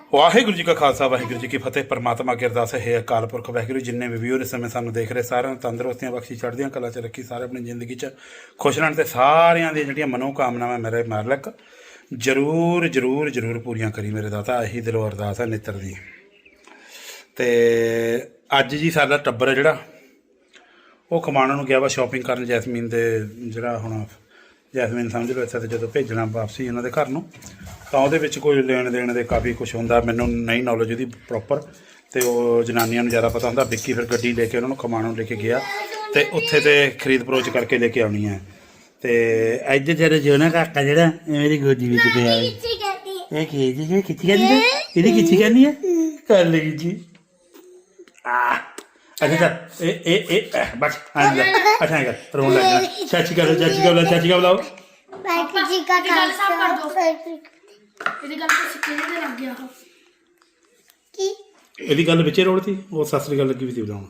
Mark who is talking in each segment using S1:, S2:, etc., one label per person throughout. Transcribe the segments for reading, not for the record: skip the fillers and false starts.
S1: ਵਾਹਿਗੁਰੂ ਜੀ ਕਾ ਖਾਲਸਾ ਵਾਹਿਗੁਰੂ ਜੀ ਕੀ ਫਤਿਹ। ਪਰਮਾਤਮਾ ਕੀ ਅਰਦਾਸ ਹੈ ਅਕਾਲ ਪੁਰਖ ਵਾਹਿਗੁਰੂ ਜਿੰਨੇ ਵੀ ਵੀਰ ਇਸ ਸਮੇਂ ਸਾਨੂੰ ਦੇਖ ਰਹੇ ਸਾਰਿਆਂ ਨੂੰ ਤੰਦਰੁਸਤੀਆਂ ਬਖਸ਼ੀ ਚੜ੍ਹਦੀਆਂ ਕਲਾ 'ਚ ਰੱਖੀ, ਸਾਰੇ ਆਪਣੀ ਜ਼ਿੰਦਗੀ 'ਚ ਖੁਸ਼ ਰਹਿਣ ਤੇ ਸਾਰਿਆਂ ਦੀਆਂ ਜਿਹੜੀਆਂ ਮਨੋਕਾਮਨਾਵਾਂ ਮੇਰੇ ਮਾਲਕ ਜ਼ਰੂਰ ਜ਼ਰੂਰ ਜ਼ਰੂਰ ਪੂਰੀਆਂ ਕਰੀ ਮੇਰੇ ਦਾਤਾ। ਇਹੀ ਦਿਲੋਂ ਅਰਦਾਸ ਹੈ ਨਿੱਤਰ ਦੀ। ਤੇ ਅੱਜ ਜੀ ਸਾਡਾ ਟੱਬਰ ਹੈ ਜਿਹੜਾ ਉਹ ਖਮਾਣੋਂ ਨੂੰ ਗਿਆ ਵਾ ਸ਼ਾਪਿੰਗ ਕਰਨ। ਜੈਸਮੀਨ ਦੇ ਜਿਹੜਾ ਹੁਣ ਜੈਸਮੀਨ ਸਮਝ ਲਓ ਇੱਥੇ ਤੇ ਜਦੋਂ ਭੇਜਣਾ ਵਾਪਸੀ ਉਹਨਾਂ ਦੇ ਘਰ ਨੂੰ ਤਾਂ ਉਹਦੇ ਵਿੱਚ ਕੋਈ ਲੈਣ ਦੇਣ ਦੇ ਕਾਫੀ ਕੁਛ ਹੁੰਦਾ। ਮੈਨੂੰ ਨਹੀਂ ਨੌਲੇਜ ਉਹਦੀ ਪ੍ਰੋਪਰ, ਅਤੇ ਉਹ ਜਨਾਨੀਆਂ ਨੂੰ ਜ਼ਿਆਦਾ ਪਤਾ ਹੁੰਦਾ। ਵਿੱਕੀ ਫਿਰ ਗੱਡੀ ਲੈ ਕੇ ਉਹਨਾਂ ਨੂੰ ਖਮਾਣੋਂ ਲੈ ਕੇ ਗਿਆ ਅਤੇ ਉੱਥੇ ਤੇ ਖਰੀਦ ਫਰੋਚ ਕਰਕੇ ਲੈ ਕੇ ਆਉਣੀ ਹੈ। ਅਤੇ ਅੱਜ ਤੇਰੇ ਜਿਉਣਾ ਕਾਕਾ ਜਿਹੜਾ ਇਹ ਮੇਰੀ ਗੋਦੀ ਵਿੱਚ ਪਿਆ ਇਹ ਖੇਜ ਖਿੱਚੀ ਕਰਨੀ ਹੈ, ਇਹਦੀ ਖਿੱਚੀ ਕਰਨੀ ਹੈ ਕਰ ਲਈ ਜੀ। ਅੱਛਾ ਚੱਲ ਇਹ ਬਸ ਆਂਦਾ ਅੱਛਾ ਕਰ ਰੋਣ ਲੱਗ ਜਾਣਾ। ਚਾਚੀ ਕਰ ਚਾਚੀ ਕਰ ਚਾਚੀ ਕਾ ਬੁਲਾਓ।
S2: ਜੀ ਕਾ ਇਹਦੀ ਗੱਲ ਤਾਂ ਸਿੱਕੇ ਦੇ ਲੱਗ ਗਿਆ ਕੀ
S1: ਇਹਦੀ ਗੱਲ ਵਿੱਚੇ ਰੋੜਤੀ। ਉਹ ਸੱਸ ਦੀ ਗੱਲ ਲੱਗੀ ਵੀ ਸੀ ਬੁਲਾਉਣ।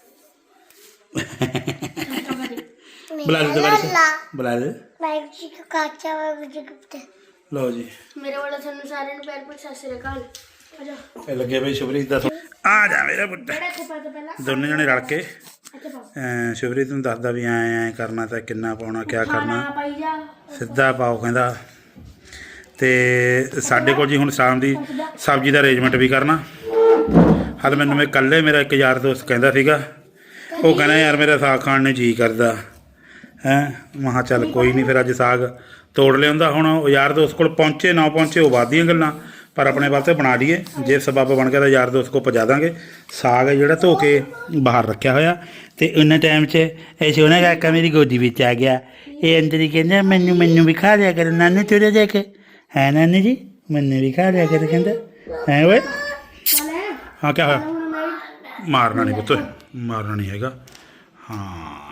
S1: ਬੁਲਾ ਲੈ ਦੁਬਾਰਾ ਬੁਲਾ ਲੈ।
S2: ਵਾਹਿਗੁਰੂ ਜੀ ਕਾ ਖਾਲਸਾ ਵਾਹਿਗੁਰੂ ਜੀ ਕੀ ਫਤਿਹ।
S1: ਲਓ ਜੀ
S2: ਮੇਰੇ ਵੱਲੋਂ ਤੁਹਾਨੂੰ ਸਾਰਿਆਂ ਨੂੰ ਪਿਆਰ ਭਰੀ ਸਤਿ ਸ਼੍ਰੀ ਅਕਾਲ। ਆ ਜਾ
S1: ਇਹ ਲੱਗੇ ਬਈ ਸ਼ੁਭਰੀਤ ਦਾ ਆ ਜਾ ਮੇਰਾ ਪੁੱਤ।
S2: ਬੜਾ ਇੱਥੇ ਪਾ ਦੇ ਪਹਿਲਾਂ
S1: ਦੋਨੇ ਜਣੇ ਰਲ ਕੇ
S2: ਇੱਥੇ ਪਾ
S1: ਸ਼ੁਭਰੀਤ ਨੂੰ ਦੱਸਦਾ ਵੀ ਐਂ ਕਰਨਾ ਤਾਂ ਕਿੰਨਾ ਪਾਉਣਾ ਕਿਆ ਕਰਨਾ।
S2: ਪਾਈ ਜਾ
S1: ਸਿੱਧਾ ਪਾਓ ਕਹਿੰਦਾ। ਅਤੇ ਸਾਡੇ ਕੋਲ ਜੀ ਹੁਣ ਸ਼ਾਮ ਦੀ ਸਬਜ਼ੀ ਦਾ ਅਰੇਂਜਮੈਂਟ ਵੀ ਕਰਨਾ। ਹਾਲੇ ਮੈਨੂੰ ਮੈਂ ਇਕੱਲੇ ਮੇਰਾ ਇੱਕ ਯਾਰ ਦੋਸਤ ਕਹਿੰਦਾ ਸੀਗਾ, ਉਹ ਕਹਿੰਦਾ ਯਾਰ ਮੇਰਾ ਸਾਗ ਖਾਣ ਨੂੰ ਜੀ ਕਰਦਾ ਹੈਂ। ਮੈਂ ਕਿਹਾ ਚੱਲ ਕੋਈ ਨਹੀਂ, ਫਿਰ ਅੱਜ ਸਾਗ ਤੋੜ ਲਿਆਉਂਦਾ। ਹੁਣ ਉਹ ਯਾਰ ਦੋਸਤ ਕੋਲ ਪਹੁੰਚੇ ਨਾ ਪਹੁੰਚੇ ਉਹ ਬਾਅਦ ਦੀਆਂ ਗੱਲਾਂ, ਪਰ ਆਪਣੇ ਵਾਸਤੇ ਬਣਾ ਲਈਏ। ਜੇ ਸਬੱਬ ਬਣ ਗਿਆ ਤਾਂ ਯਾਰ ਦੋਸਤ ਕੋਲ ਪਹੁੰਚਾ ਦਾਂਗੇ। ਸਾਗ ਹੈ ਜਿਹੜਾ ਧੋ ਕੇ ਬਾਹਰ ਰੱਖਿਆ ਹੋਇਆ, ਅਤੇ ਉਹਨਾਂ ਟਾਈਮ 'ਚ ਇਹ ਸੋਹਣਾ ਕਾਕਾ ਮੇਰੀ ਗੋਦੀ ਵਿੱਚ ਆ ਗਿਆ। ਇਹ ਅੰਦਰ ਹੀ ਕਹਿੰਦਾ ਮੈਨੂੰ ਵੀ ਖਾ ਲਿਆ ਕਰ ਨਾਨੂ ਤੁਰੇ ਦੇ ਕੇ ਹੈ ਨਾਨੀ ਜੀ, ਮੈਨੂੰ ਵੀ ਖਾ ਲਿਆ ਕਰ ਕਹਿੰਦਾ ਹੈ। ਓਏ ਹਾਂ ਕਿਆ ਹੋਇਆ? ਮਾਰਨਾ ਨਹੀਂ ਪੁੱਤ, ਮਾਰਨਾ ਨਹੀਂ ਹੈਗਾ। ਹਾਂ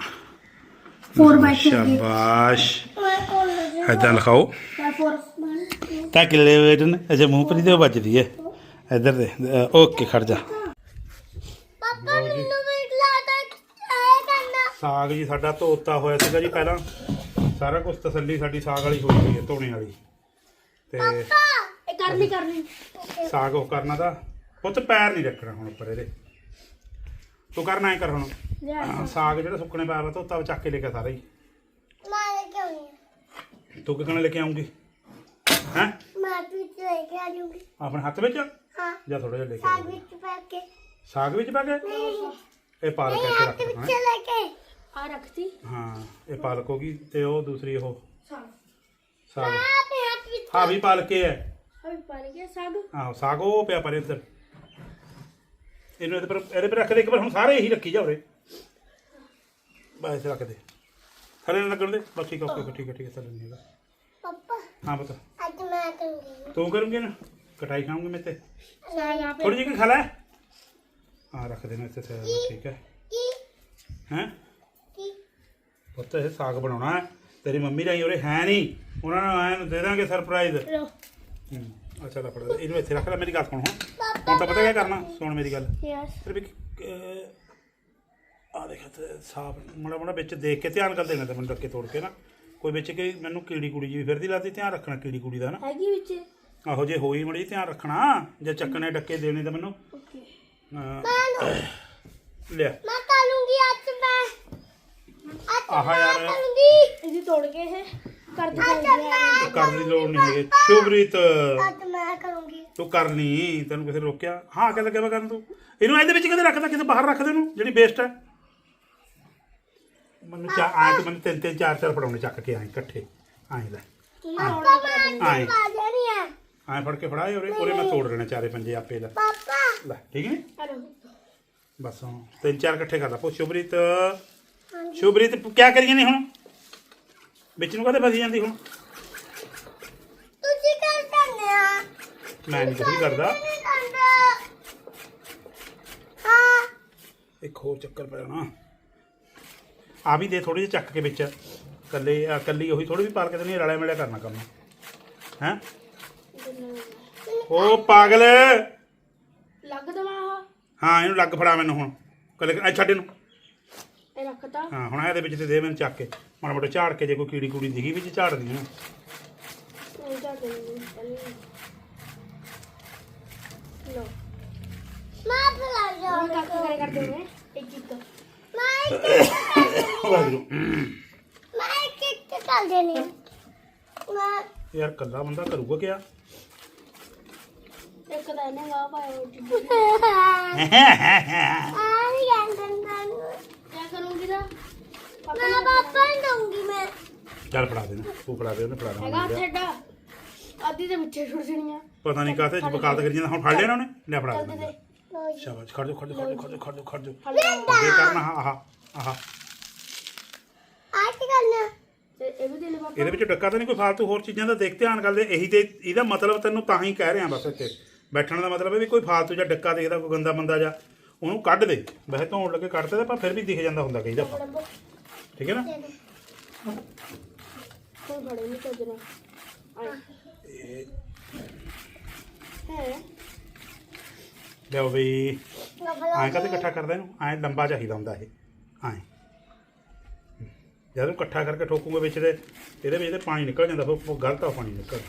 S1: ਸ਼ਾਬਾਸ਼ ਇੱਦਾਂ ਲਿਖਾਓ ਤਾਂ ਕਿੱਲੇ ਵੇਟ ਨੇ। ਅੱਛਾ ਮੂੰਹ ਪਰੀ ਤੇ ਉਹ ਵੱਜਦੀ ਹੈ ਇੱਧਰ ਦੇ। ਓਕੇ ਖੜ ਜਾ।
S2: ਪਾਪਾ ਮੈਨੂੰ ਵੀ ਲਾਦਾ ਆਏ ਕਰਨਾ।
S1: ਸਾਗ ਜੀ ਸਾਡਾ ਧੋਤਾ ਹੋਇਆ ਸੀਗਾ ਜੀ ਪਹਿਲਾਂ। ਸਾਰਾ ਕੁਝ ਤਸੱਲੀ ਸਾਡੀ ਸਾਗ ਵਾਲੀ ਹੋਈ ਹੋਈ ਹੈ ਧੋਣੇ ਵਾਲੀ। ਤੇ
S2: ਇਹ ਕਰਨੀ
S1: ਸਾਗ ਉਹ ਕਰਨਾ ਤਾਂ ਪੁੱਤ ਪੈਰ ਨਹੀਂ ਰੱਖਣਾ ਹੁਣ ਉੱਪਰ ਇਹਦੇ। ਤੂੰ ਕਰਨਾ ਐ ਕਰ ਹੁਣ ਸਾਗ ਜਿਹੜਾ ਸੁੱਕਣੇ ਪੈਰ ਵਾ ਧੋਤਾ ਚੱਕ ਕੇ ਲੈ ਕੇ ਸਾਰਾ ਹੀ।
S2: ਮੈਂ ਕਿਉਂ ਨਹੀਂ
S1: ਤੂੰ ਕਿਹਨੇ ਲੈ ਕੇ ਆਉਂਗੀ ਹੈਂ?
S2: ਮੈਂ ਵਿੱਚ ਲੈ ਕੇ ਆ ਜੂਗੀ।
S1: ਆਪਣੇ ਹੱਥ ਵਿੱਚ
S2: ਹਾਂ
S1: ਜਾਂ ਥੋੜਾ ਜਿਹਾ ਲੈ ਕੇ
S2: ਸਾਗ
S1: ਆਉਂਗੀ?
S2: ਵਿੱਚ ਪਾ ਕੇ
S1: ਸਾਗ ਵਿੱਚ ਪਾ ਕੇ ਇਹ ਪਾਲਕ ਇੱਥੇ ਰੱਖ
S2: ਵਿੱਚ
S1: ਦੇਣਾ।
S2: ਲੈ ਕੇ ਆ ਰੱਖਤੀ।
S1: ਹਾਂ ਇਹ ਪਾਲਕ ਹੋ ਗਈ ਤੇ ਉਹ ਦੂਸਰੀ ਉਹ ਸਾਗ
S2: ਆਪੇ ਹੱਥ ਵਿੱਚ
S1: ਹਾਂ ਵੀ ਪਾਲਕ ਹੀ ਹੈ।
S2: ਅਭੀ ਪਾ ਲਿਆ ਸਾਗ।
S1: ਆਹੋ ਸਾਗ ਉਹ ਪਿਆ ਪਰ ਇੱਧਰ ਇਹਨੂੰ ਇਹਦੇ ਪਰ ਰੱਖ ਦੇ ਇੱਕ ਵਾਰ। ਹੁਣ ਸਾਰੇ ਇਹੀ ਰੱਖੀ ਜਾ ਉਰੇ ਬਸ ਰੱਖ ਦੇ ਥੱਲੇ ਨਾ ਲੱਗਣ ਦੇ ਬਸ। ਠੀਕ ਓਕੇ ਠੀਕ ਹੈ ਥੱਲੇ ਨਹੀਂ ਹੈਗਾ।
S2: ਪਾਪਾ
S1: ਹਾਂ ਪੁੱਤ
S2: ਅੱਜ ਮੈਂ ਕਰੂੰਗੀ।
S1: ਤੂੰ ਕਰੂੰਗੀ ਨਾ ਕਟਾਈ ਖਾਉਂਗੀ ਮੈਂ ਤੇ
S2: ਸਾਗ ਆਪੇ
S1: ਥੋੜੀ ਜਿਹੀ ਖਾ ਲੈ। ਹਾਂ ਰੱਖ ਦੇਣਾ ਇੱਥੇ ਠੀਕ ਹੈ
S2: ਕੀ
S1: ਹੈਂ।
S2: ਕੀ
S1: ਪੁੱਤ ਇਹ ਸਾਗ ਬਣਾਉਣਾ ਹੈ। ਤੇਰੀ ਮੰਮੀ ਰਾਹੀਂ ਉਰੇ ਹੈ ਨਹੀਂ, ਉਹਨਾਂ ਨੂੰ ਐਂ ਦੇ ਦਾਂਗੇ ਸਰਪ੍ਰਾਈਜ਼।
S2: ਲੋ
S1: ਅੱਛਾ ਤਾਂ ਫੜ ਇਹਨੂੰ ਇੱਥੇ ਰੱਖ ਲੈ। ਮੇਰੀ ਗੱਲ ਸੁਣ ਹੁਣ ਤਾਂ ਪਤਾ ਕਿਆ ਕਰਨਾ, ਸੁਣ ਮੇਰੀ ਗੱਲ।
S2: ਯੈਸ
S1: ਫਿਰ ਵੀ ਆ ਦੇਖ ਸਾਫ ਮਾੜਾ ਮਾੜਾ ਵਿੱਚ ਦੇਖ ਕੇ ਧਿਆਨ ਕਰ ਦੇਣਾ ਤਾਂ ਮੈਨੂੰ ਡੱਕੇ ਤੋੜ ਕੇ ਨਾ। ਕੋਈ ਵਿੱਚ ਕਿ ਮੈਨੂੰ ਕੀੜੀ ਕੁੜੀ ਜੀ ਫਿਰਦੀ ਲੱਗਦੀ, ਧਿਆਨ ਰੱਖਣਾ ਕੀੜੀ ਕੁੜੀ ਦਾ ਨਾ।
S2: ਹੈਗੀ ਵਿੱਚ
S1: ਆਹੋ ਜੇ ਹੋਈ ਮੜੀ ਧਿਆਨ ਰੱਖਣਾ। ਜੇ ਚੱਕਣੇ ਡੱਕੇ ਦੇਣੇ ਤਾਂ ਮੈਨੂੰ
S2: ਓਕੇ
S1: ਲਿਆ।
S2: ਮੈਂ ਕਰੂੰਗੀ ਅੱਜ ਮੈਂ
S1: ਆਹ ਯਾਰ
S2: ਇਹਦੀ ਤੋੜ ਕੇ ਇਹ ਕਰ ਦਿੰਦੇ
S1: ਕਰਨ ਦੀ ਲੋੜ ਨਹੀਂ ਹੈਗੀ ਸ਼ੁਭਰੀਤ।
S2: ਅੱਜ ਮੈਂ ਕਰੂੰਗੀ।
S1: ਤੂੰ ਕਰ ਲਈ, ਤੈਨੂੰ ਕਿਸੇ ਨੇ ਰੋਕਿਆ? ਹਾਂ ਕਹਿੰਦਾ ਕਿਵੇਂ ਕਰਨ ਤੂੰ ਇਹਨੂੰ ਇਹਦੇ ਵਿੱਚ ਕਿਤੇ ਰੱਖਦਾ, ਕਿਤੇ ਬਾਹਰ ਰੱਖ ਦੇ ਇਹਨੂੰ ਜਿਹੜੀ ਵੇਸਟ ਹੈ। ਮੈਨੂੰ ਆਏ ਤੇ ਮੈਨੂੰ ਤਿੰਨ ਚਾਰ ਫੜਾਉਣੇ ਚੱਕ ਕੇ ਆਏ ਇਕੱਠੇ ਆਏ ਲੈ ਆਏ ਆਏ ਫੜ ਕੇ ਫੜਾਏ ਉਰੇ ਮੈਂ ਤੋੜ ਲੈਣੇ ਚਾਰੇ ਪੰਜੇ ਆਪੇ ਲੈ
S2: ਪਾਪਾ
S1: ਲੈ ਠੀਕ ਨਹੀਂ ਬਸ। ਹੁਣ ਤਿੰਨ ਚਾਰ ਇਕੱਠੇ ਕਰ ਲਾ। ਪੁੱਛ ਸ਼ੁਭਰੀਤ ਸ਼ੁਭਰੀਤ ਕਿਆ ਕਰੀਏ ਨਹੀਂ ਹੁਣ ਵਿੱਚ ਨੂੰ ਕਦੇ ਫਸੀ ਜਾਂਦੀ ਹੁਣ।
S2: ਤੁਸੀਂ ਕਰ ਦਿੰਦੇ ਆ
S1: ਮੈਂ ਨਹੀਂ ਕੁਝ ਕਰਦਾ।
S2: ਹਾਂ
S1: ਇੱਕ ਹੋਰ ਚੱਕਰ ਪੈ ਜਾਣਾ। ਆ ਵੀ ਦੇ ਥੋੜੀ ਜਿਹੀ ਚੱਕ ਕੇ ਵਿੱਚ ਕੱਲੀ ਉਹੀ ਥੋੜੀ ਵੀ ਪਾਲ ਕੇ ਨਹੀਂ ਰਲਿਆ ਮਿਲਿਆ ਕਰਨਾ ਕੰਮ ਹੈਂ। ਉਹ ਪਾਗਲ
S2: ਲੱਗ ਦਵਾ।
S1: ਹਾਂ ਇਹਨੂੰ ਲੱਗ ਫੜਾ ਮੈਨੂੰ ਹੁਣ ਕੱਲੇ ਛੱਡ ਇਹਨੂੰ।
S2: ਇਹ ਰੱਖਤਾ
S1: ਹਾਂ ਹੁਣ ਇਹਦੇ ਵਿੱਚ ਤੇ ਦੇ ਮੈਨੂੰ ਚੱਕ ਕੇ ਮਾੜਾ ਮੋਟਾ ਝਾੜ ਕੇ। ਜੇ ਕੋਈ ਕੀੜੀ ਕੂੜੀ ਦਿਖੀ ਵਿੱਚ ਝਾੜਦੀ ਆ।
S2: ਲਓ
S3: ਮੈਂ ਫਲਾ ਜਾ
S2: ਹੁਣ ਕੱਖ ਕਰੇ ਕਰਦੇ ਨੇ ਇੱਕ ਇੱਕ
S1: ਵਾਹਿਗੁਰੂ
S3: ਮੈਂ ਇੱਕ ਚੱਲ ਦੇਣੀ ਮੈਂ
S1: ਯਾਰ ਕੱਲਾ ਬੰਦਾ ਕਰੂਗਾ ਕਿਆ
S2: ਇੱਕ ਤਾਂ ਇਹਨੇ ਗਾ ਪਾਇਆ
S3: ਆ ਨਹੀਂ ਗੰਦਨ
S2: ਕੀ ਕਰੂੰਗੀ ਨਾ
S3: ਮੈਂ ਪਾਪਾ ਨੂੰ ਦਊਂਗੀ ਮੈਂ
S1: ਚੱਲ ਫੜਾ ਦੇਣਾ ਤੂੰ ਫੜਾ ਦੇ ਉਹਨੇ ਫੜਾ
S2: ਹੈਗਾ
S1: ਦੇਣਾ
S2: ਥੇਡਾ ਅੱਧੀ ਦੇ ਵਿੱਚੇ ਛੁੱਟ ਜਣੀਆਂ
S1: ਪਤਾ ਨਹੀਂ ਕਾਹਤੇ ਵਕਾਲਤ ਕਰੀ ਜਾਂਦਾ ਹੁਣ ਫੜ ਲਿਆ ਨਾ ਉਹਨੇ ਲੈ ਫੜਾ
S2: ਚੱਲ ਦੇ
S1: ਦੇ
S2: ਦੇ
S1: ਸ਼ਾਬਾਸ਼ ਖੜ ਜਾ ਖੜ ਜਾ ਖੜ ਜਾ ਖੜ ਜਾ ਖੜ ਜਾ ਖੜ ਜਾ
S2: ਫੜ ਲਿਆ।
S1: ਅੱਗੇ ਕਰਨਾ ਆਹ ਆਹ
S3: ਆ ਕੀ ਕਰਨਾ
S2: ਤੇ ਇਹ ਵੀ ਦੇ ਲੈ ਪਾਪਾ
S1: ਇਹਦੇ ਵਿੱਚ ਡੱਕਾ ਤਾਂ ਨਹੀਂ ਕੋਈ ਫਾਲਤੂ ਹੋਰ ਚੀਜ਼ਾਂ ਦਾ ਦੇਖ ਧਿਆਨ ਕਰਦੇ ਇਹੀ ਤੇ ਇਹਦਾ ਮਤਲਬ ਤੈਨੂੰ ਤਾਂ ਹੀ ਕਹਿ ਰਿਹਾ ਬਸ ਇੱਥੇ ਬੈਠਣ ਦਾ ਮਤਲਬ ਹੈ ਵੀ ਕੋਈ ਫਾਲਤੂ ਜਾਂ ਡੱਕਾ ਦੇਖਦਾ ਕੋਈ ਗੰਦਾ ਬੰਦਾ ਜਾਂ ਉਹਨੂੰ ਕੱਢ ਦੇ ਵੈਸੇ ਧੋਣ ਲੱਗੇ ਕੱਢਦੇ ਪਰ ਫਿਰ ਵੀ ਦਿਖ ਜਾਂਦਾ ਹੁੰਦਾ ਕਈ ਦਫਾ
S2: ਫੜਨ ਦੋ
S1: ਠੀਕ ਹੈ ਨਾ
S2: ਕੋਈ ਫੜੇ ਨਹੀਂ ਚੱਜਣਾ ਆਏ ਹੈ
S1: ਲਿਓ ਵੀ
S3: ਪਾਪਾ
S1: ਐਂ ਕਦੇ ਇਕੱਠਾ ਕਰਦਾ ਇਹਨੂੰ ਐਂ ਲੰਬਾ ਚਾਹੀਦਾ ਹੁੰਦਾ ਇਹ ਐਂ ਜਦੋਂ ਇਕੱਠਾ ਕਰਕੇ ਠੋਕੂਗੇ ਵਿੱਚ ਦੇ ਇਹਦੇ ਵਿੱਚ ਤੇ ਪਾਣੀ ਨਿਕਲ ਜਾਂਦਾ ਫਿਰ ਉਹ ਗਲਤ ਆ ਪਾਣੀ ਨਿਕਲ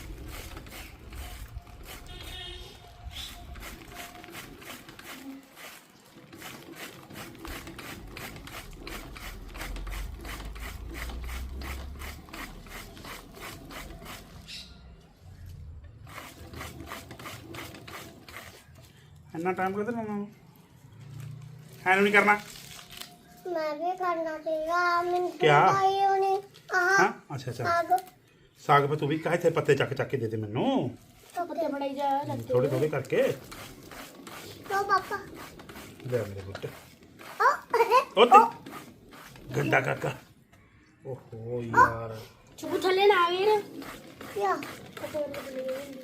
S1: ਇੰਨਾ ਟਾਈਮ ਕਿੱਧਰ ਲਾਉਣਾ ਐਨੂੰ ਨਹੀਂ ਕਰਨਾ
S3: ਮੈਂ ਵੀ ਕਰਨਾ ਸੀਗਾ ਮੈਨੂੰ
S1: ਕਿਆ?
S3: ਭਾਈ ਉਹਨੇ
S1: ਹਾਂ
S3: ਆਹ
S1: ਅੱਛਾ ਅੱਛਾ
S3: ਆਗ
S1: ਸਾਗ ਪਾ ਤੂੰ ਵੀ ਕਾਹੇ ਤੇ ਪੱਤੇ ਚੱਕ ਚੱਕ ਕੇ ਦੇ ਦੇ ਮੈਨੂੰ
S2: ਪੱਤੇ ਫੜਾਈ ਜਾ ਲੱਤੇ
S1: ਥੋੜੇ ਥੋੜੇ ਕਰਕੇ
S3: ਲੋ ਪਾਪਾ
S1: ਲੈ ਮੇਰੇ ਪੁੱਤ
S3: ਉਹ
S1: ਉਹ ਤੇ ਗੰਦਾ ਕਾਕਾ ਓਹੋ ਯਾਰ
S2: ਚੁੱਪ ਥੱਲੇ ਨਾ ਆ ਗਏ ਨਾ
S3: ਯਾ
S2: ਪੱਤੇ ਫੜਾਈ
S3: ਲੋ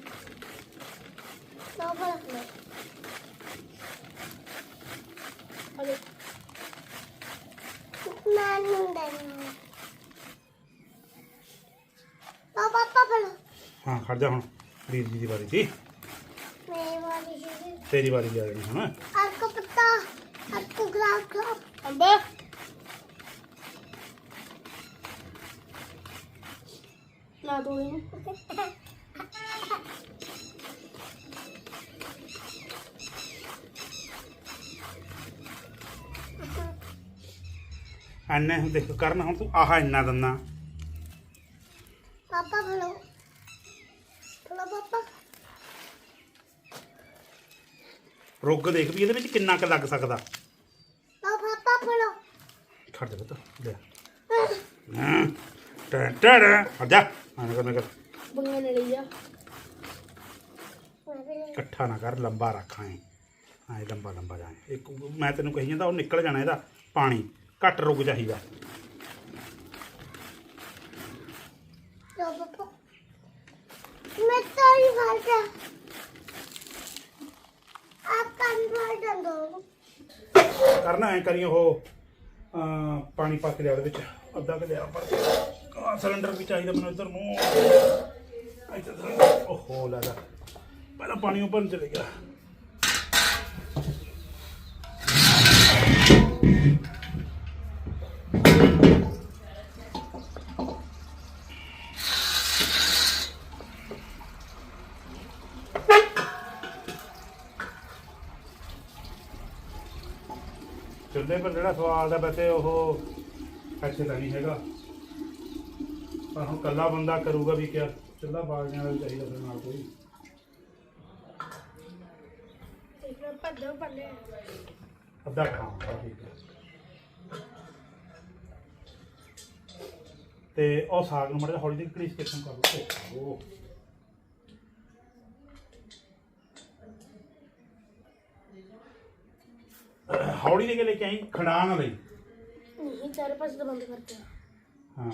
S3: ਪਾਪਾ
S2: ਹਲੇ
S3: ਮੈਂ ਨਹੀਂ ਦੇਣੀ ਲੋ ਪਾਪਾ ਫੜੋ
S1: ਹਾਂ ਖੜ ਜਾ ਹੁਣ ਵੀਰ ਜੀ ਦੀ ਵਾਰੀ ਸੀ
S3: ਮੇਰੀ ਵਾਲੀ ਸੀ
S1: ਤੇਰੀ ਵਾਰੀ ਆ ਜਾਣੀ ਹੁਣ
S3: आपको पता आपको गुलाब का
S2: ਅੰਬਾ ਨਾ ਦੋ ਇਹਨੂੰ
S1: ਐਨੇ ਹੁਣ ਦੇਖ ਕਰਨ ਹੁਣ ਤੂੰ ਆਹ ਇੰਨਾ ਦੰਨਾ
S3: पापा बोलो बोलो पापा
S1: ਰੁੱਗ ਦੇਖ ਵੀ ਇਹਦੇ ਵਿੱਚ ਕਿੰਨਾ ਕੁ ਲੱਗ ਸਕਦਾ
S3: लो पापा बोलो
S1: ਖੜ ਜਾ ਪੁੱਤ ਲੈ ਹਾਂ ਟੈਂ ਟੈਂ ਹਟ ਜਾ ਆਣ ਕਰ
S2: ਬੰਗੇ ਨੇ ਲਈ ਜਾ
S3: मैं भी नहीं
S1: ਇਕੱਠਾ ਨਾ ਕਰ ਲੰਬਾ ਰੱਖਾਂ ਐ ਲੰਬਾ ਲੰਬਾ ਜਾਏ ਇੱਕ ਮੈਂ ਤੈਨੂੰ ਕਹੀ ਜਾਂਦਾ ਉਹ ਨਿਕਲ ਜਾਣਾ ਇਹਦਾ ਪਾਣੀ ਘੱਟ ਰੁਕ ਚਾਹੀਦਾ
S3: लो पापा मैं तो ही भाग गया आप कान भर दो
S1: ਕਰਨਾ ਐ ਕਰੀ ਉਹ ਪਾਣੀ ਪਾ ਕੇ ਲਿਆ ਉਹਦੇ ਵਿੱਚ ਅੱਧਾ ਕਿ ਲਿਆ ਪਰ ਸਿਲੰਡਰ ਵੀ ਚਾਹੀਦਾ ਮੈਨੂੰ ਇੱਧਰ ਨੂੰ ਇੱਧਰ ਸਿਲੰਡਰ ਓਹੋ ਲੱਗਾ ਪਹਿਲਾਂ ਪਾਣੀ ਉੱਪਰ ਚਲੇ ਗਿਆ ਚੁੱਲ੍ਹੇ ਪਰ ਜਿਹੜਾ ਸਵਾਦ ਹੈ ਵੈਸੇ ਉਹ ਐਸੇ ਤਾਂ ਨਹੀਂ ਹੈਗਾ ਪਰ ਹੁਣ ਇਕੱਲਾ ਬੰਦਾ ਕਰੂਗਾ ਵੀ ਕਿਆ ਚੁੱਲ੍ਹਾ ਬਾਲਣ ਵਾਲਾ ਵੀ ਚਾਹੀਦਾ ਫਿਰ ਨਾਲ ਕੋਈ
S2: ਇੱਕ ਪੱਦੇ ਪੱਲੇ
S1: ਅੱਧਾ ਖਾਂਦਾ ਠੀਕ ਹੈ ਤੇ ਉਹ ਸਾਗ ਨੂੰ ਮੜਾ ਹੌਲੀ ਜਿਹੀ ਕੜੀਸ ਕਿਸਮ ਕਰ ਲਓ ਉਹ ਹੌਲੀ ਦੇ ਕੇ ਲੈ ਕੇ ਆਈ ਖੜਾ ਨਾ ਲਈ
S2: ਨਹੀਂ ਚਾਰੇ ਪਾਸੇ ਤੋਂ ਬੰਦ ਕਰਤੇ
S1: ਹਾਂ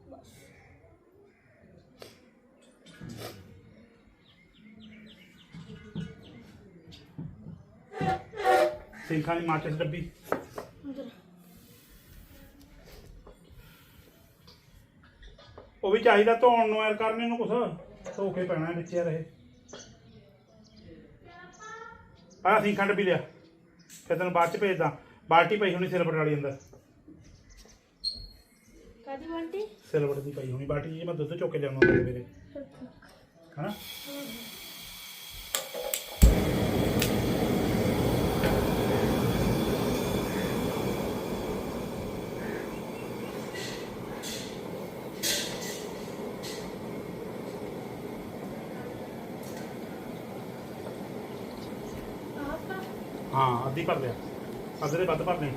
S1: ਸਿੰਖਾਂ ਦੀ ਮਾਚਿਸ ਡੱਬੀ ਉਹ ਵੀ ਚਾਹੀਦਾ ਧੋਣ ਨੂੰ ਯਾਰ ਕਰਨੇ ਨੂੰ ਕੁਛ ਧੋ ਕੇ ਪੈਣਾ ਵਿੱਚ ਯਾਰ ਇਹ ਆਹ ਸਿੰਖਾਂ ਡੱਬੀ ਲਿਆ ਫਿਰ ਤੈਨੂੰ ਬਾਅਦ ਚ ਭੇਜਦਾ ਬਾਲਟੀ ਪਈ ਹੋਣੀ ਸਿਲਵਰ ਵਾਲੀ ਅੰਦਰ
S2: ਕਾਦੀ ਬੰਟੀ
S1: ਸਿਲਵਰ ਦੀ ਪਈ ਹੋਣੀ ਬਾਲਟੀ ਜੀ ਮੈਂ ਦੁੱਧ ਚੁੱਕ ਕੇ ਲਿਆਉਣਾ ਮੇਰੇ ਹਨਾ ਹਾਂ ਅੱਧੀ ਭਰ ਲਿਆ, ਅੱਧੇ ਦੇ ਵੱਧ ਭਰ ਲਈ।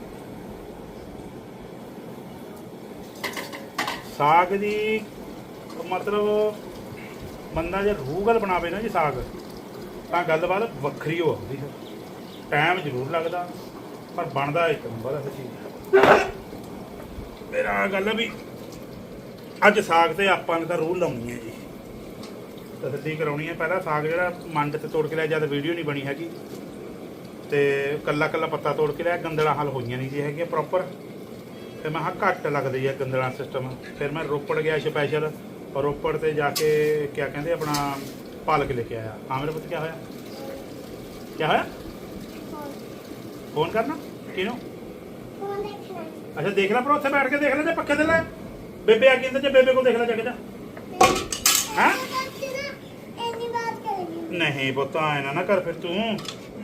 S1: ਸਾਗ ਦੀ ਮਤਲਬ ਬੰਦਾ ਜੇ ਰੂਗਲ ਬਣਾਵੇ ਨਾ ਜੀ ਸਾਗ, ਤਾਂ ਗੱਲਬਾਤ ਵੱਖਰੀ ਹੋ ਆਉਂਦੀ ਹੈ। ਟਾਈਮ ਜ਼ਰੂਰ ਲੱਗਦਾ ਪਰ ਬਣਦਾ ਇੱਕ ਨੰਬਰ ਹੈ ਚੀਜ਼। ਮੇਰਾ ਗੱਲ ਹੈ ਵੀ ਅੱਜ ਸਾਗ ਤੇ ਆਪਾਂ ਨੇ ਤਾਂ ਰੂਹ ਲਾਉਣੀ ਹੈ ਜੀ, ਤਸੱਲੀ ਕਰਾਉਣੀ ਹੈ। ਪਹਿਲਾਂ ਸਾਗ ਜਿਹੜਾ ਮੰਡ ਤੇ ਤੋੜ ਕੇ ਲਿਆ, ਜਦ ਵੀਡੀਓ ਨਹੀਂ ਬਣੀ ਹੈਗੀ ਤੇ ਕੱਲਾ ਕੱਲਾ ਪੱਤਾ ਤੋੜ ਕੇ ਲਿਆ, ਗੰਦਲਾਂ ਹੱਲ ਹੋਈਆਂ ਨਹੀਂ ਸੀ ਹੈਗੀਆਂ ਪ੍ਰੋਪਰ। ਫਿਰ ਮੈਂ ਕਿਹਾ ਘੱਟ ਲੱਗਦੀ ਹੈ ਗੰਦਲਾਂ ਸਿਸਟਮ। ਫਿਰ ਮੈਂ ਰੋਪੜ ਗਿਆ ਸਪੈਸ਼ਲ, ਔਰ ਰੋਪੜ ਤੇ ਜਾ ਕੇ ਕਿਆ ਕਹਿੰਦੇ ਆਪਣਾ ਪਾਲਕ ਲੈ ਕੇ ਆਇਆ। ਹਾਂ ਮੇਰੇ ਪੁੱਤ ਕਿਆ ਹੋਇਆ, ਕਿਆ ਹੋਇਆ? ਫੋਨ ਕਰਨਾ ਕਿਹਨੂੰ?
S3: ਫੋਨ ਦੇਖਣਾ
S1: ਅੱਛਾ ਦੇਖ ਲੈ, ਪਰ ਉੱਥੇ ਬੈਠ ਕੇ ਦੇਖ ਲੈ, ਜੇ ਪੱਖੇ ਤੇ ਲੈ ਬੇਬੇ ਆ ਗਈ ਅੰਦਰ, ਜੇ ਬੇਬੇ ਕੋਲ ਦੇਖ ਲੈ ਜਾ ਕੇ ਜਾ। ਹੈਂ?
S3: ਇੰਨੀ ਬਾਤ ਕरेगी
S1: ਨਹੀਂ ਪੁੱਤ ਆਏ ਨਾ ਕਰ ਫਿਰ ਤੂੰ।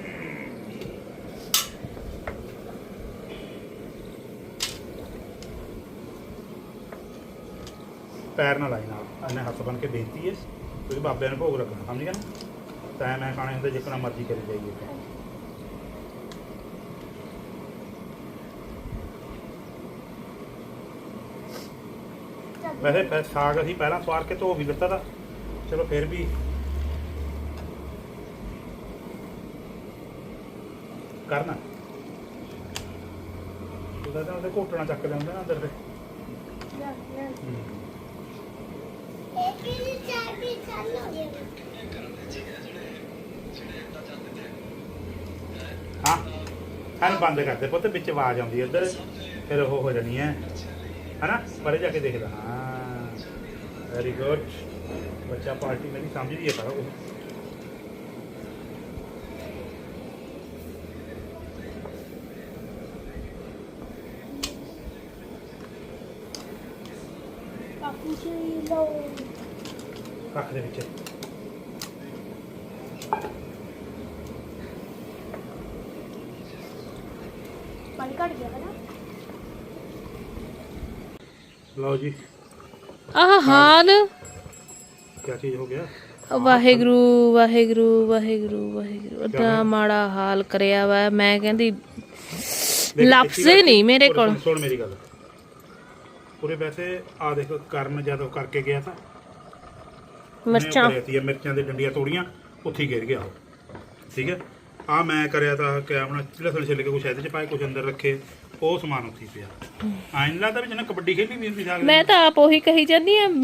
S1: ਪੈਰ ਨਾ ਲਾਈ ਨਾਲ, ਇਹਨੇ ਹੱਥ ਬਣ ਕੇ ਬੇਇੱਜ਼ਤੀ ਹੈ, ਕਿਉਂਕਿ ਬਾਬਿਆਂ ਨੂੰ ਭੋਗ ਰੱਖਣਾ, ਸਮਝ ਗਿਆ ਨਾ? ਤੈਂ ਮੈਂ ਖਾਣੇ ਹੁੰਦੇ ਜਿੱਕਣਾ ਮਰਜ਼ੀ ਕਰੀ ਜਾਈਏ। ਵੈਸੇ ਸਾਗ ਅਸੀਂ ਪਹਿਲਾਂ ਸਵਾਰ ਕੇ ਧੋ ਵੀ ਦਿੱਤਾ ਤਾ, ਚਲੋ ਫਿਰ ਵੀ ਕਰਨਾ ਉਹਦਾ ਤਾਂ ਉਹਦੇ ਘੋਟਣਾ ਚੱਕ ਲੈਂਦੇ ਨਾ ਅੰਦਰ ਦੇ।
S3: एक ही चाय भी चालू हो गया
S1: ਹਾਂ ਇਹਨੂੰ ਬੰਦ ਕਰਦੇ ਪੁੱਤ, ਵਿੱਚ ਆਵਾਜ਼ ਆਉਂਦੀ ਹੈ ਇੱਧਰ, ਫਿਰ ਉਹ ਹੋ ਜਾਣੀ ਹੈ ਹਨਾ। ਪਰੇ ਜਾ ਕੇ ਦੇਖਦਾ। ਹਾਂ ਵੈਰੀ ਗੁੱਡ ਬੱਚਾ, ਪਾਰਟੀ ਮੇਰੀ ਸਮਝਦੀ ਹੈ ਸਾਰਾ ਕੁਝ।
S2: ਕਾਕੂ ਜੀ ਲਓ
S1: ਰੱਖ ਦੇ ਵਿੱਚ।
S2: ਪਾਣੀ ਘਟ ਗਿਆ ਨਾ।
S1: ਲਓ ਜੀ
S4: ਆਹ ਹਾਲ
S1: ਕੀ ਚੀਜ਼ ਹੋ ਗਿਆ?
S4: ਵਾਹਿਗੁਰੂ ਵਾਹਿਗੁਰੂ ਵਾਹਿਗੁਰੂ ਵਾਹਿਗੁਰੂ, ਏਡਾ ਮਾੜਾ ਹਾਲ ਕਰਿਆ ਵਾ। ਮੈਂ ਕਹਿੰਦੀ ਲਫ਼ਜ਼ ਹੀ ਨਹੀਂ ਮੇਰੇ ਕੋਲ।
S1: ਸੁਣ ਮੇਰੀ ਗੱਲ ਪੂਰੇ। ਵੈਸੇ ਆ ਦੇਖੋ ਕਰਨ ਜਦੋਂ ਕਰਕੇ ਗਿਆ ਤਾਂ
S4: ਮਿਰਚਾਂ
S1: ਮਿਰਚਾਂ ਦੀ ਡੰਡੀਆਂ ਤੋੜੀਆਂ, ਉੱਥੇ ਹੀ ਗਿਰ ਗਿਆ ਉਹ। ਠੀਕ ਹੈ, ਆ ਮੈਂ ਕਰਿਆ ਤਾਂ ਕਿ ਆਪਣਾ ਲਸਣ ਛਿੱਲ ਕੇ ਕੁਛ ਇਹਦੇ ਚ ਪਾਏ, ਕੁਛ ਅੰਦਰ ਰੱਖੇ, ਉਹ ਸਮਾਨ ਉੱਥੇ ਹੀ ਪਿਆ। ਐਂ ਲੱਗਦਾ ਵੀ ਜਿਹਨੇ ਕਬੱਡੀ ਖੇਡੀ ਵੀ ਹੁੰਦੀ ਸਾਗ।
S4: ਮੈਂ ਤਾਂ ਆਪ ਉਹੀ ਕਹੀ ਜਾਂਦੀ ਆ,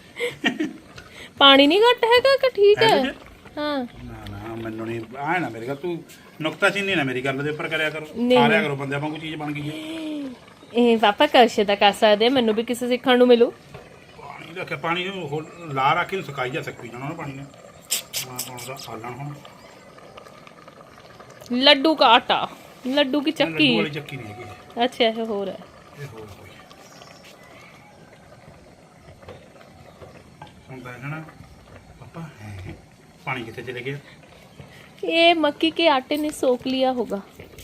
S4: ਪਾਣੀ ਨਹੀਂ ਘੱਟ ਹੈਗਾ ਕਿ ਠੀਕ ਹੈ? ਹਾਂ
S1: ਨਾ ਨਾ ਮੈਨੂੰ ਨਹੀਂ ਆਏ ਨਾ ਮੇਰੀ ਗੱਲ, ਤੂੰ ਨੁਕਤਾਚੀਨੀ ਨਾ ਮੇਰੀ ਗੱਲ ਦੇ ਉੱਪਰ ਕਰਿਆ ਕਰੋ।
S4: ਨਹੀਂ,
S1: ਖਾ ਲਿਆ ਕਰੋ, ਬੰਦਿਆਂ ਵਾਂਗੂ ਚੀਜ਼ ਬਣ ਗਈ ਹੈ।
S4: ਇਹ ਪਾਪਾ ਕਸ਼ੇ ਦਾ ਕਰ ਸਕਦੇ, ਮੈਨੂੰ ਵੀ ਕਿਸੇ ਸਿੱਖਣ ਨੂੰ ਮਿਲੂ।
S1: ਪਾਣੀ ਰੱਖਿਆ, ਪਾਣੀ ਨੂੰ ਲਾ ਰੱਖ ਕੇ ਸੁਕਾਈ ਜਾ ਸਕਦੀ ਜਾਣਾ ਪਾਣੀ ਨੇ। ਮੈਂ ਪਾਉਂਦਾ ਆਲਣ ਹੁਣ।
S4: ਲੱਡੂ ਕਾ ਆਟਾ, ਲੱਡੂ ਕੀ
S1: ਲੱਡੂ
S4: ਚੱਕੀ।
S1: ਵਾਲੀ ਚੱਕੀ ਨਹੀਂ ਹੈਗੀ,
S4: ਅੱਛਾ ਇਹ ਹੋਰ ਹੈ।
S1: ਇਹ ਹੋਰ ਕੋਈ ਹੁੰਦਾ ਹੈ ਨਾ ਪਾਪਾ। पानी कितने चले गया?
S4: ये मक्की के आटे ने सोख लिया होगा।